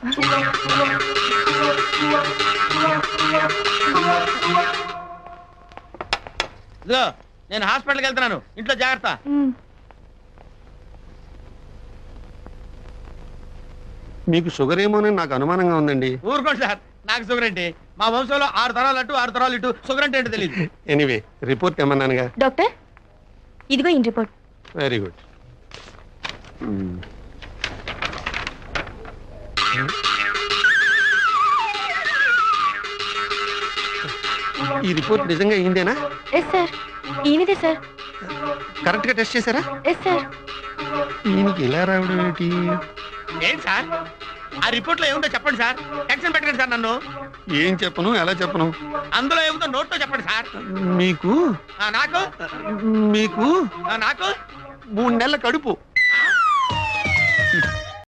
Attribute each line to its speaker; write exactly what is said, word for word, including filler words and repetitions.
Speaker 1: ఇదిగో నేను హాస్పిటల్కి వెళ్తున్నాను, ఇంట్లో జాగ్రత్త.
Speaker 2: మీకు షుగర్ ఏమోనని నాకు అనుమానంగా ఉందండి.
Speaker 1: ఊరుకోండి సార్, నాకు షుగర్ ఏంటి? మా వంశంలో ఆరు తరాలు అటు ఆరు తరాలు ఇటు, షుగర్ అంటే ఏంటో తెలియదు.
Speaker 2: ఎనీవే రిపోర్ట్ ఏమన్నానుగా.
Speaker 3: డాక్టర్ ఇదిగో ఇన్ రిపోర్ట్.
Speaker 2: Very good. ఈ రిపోర్ట్ నిజంగా అయిందేనా?
Speaker 3: ఎస్ సార్, ఈయనదే సార్.
Speaker 2: కరెక్ట్ గా టెస్ట్ చేశారా?
Speaker 3: Yes sir.
Speaker 2: ఈయనకి ఇలా రావడం ఏంటి?
Speaker 1: ఏంటి సార్ ఆ రిపోర్ట్ లో ఏముందో చెప్పండి సార్. టెన్షన్ పెట్టండి సార్ నన్ను.
Speaker 2: ఏం చెప్పను, ఎలా చెప్పను?
Speaker 1: అందులో ఏముందో నోట్తో చెప్పండి సార్.
Speaker 2: మీకు
Speaker 1: నాకు
Speaker 2: మీకు
Speaker 1: నాకు
Speaker 2: మూడు నెలల కడుపు.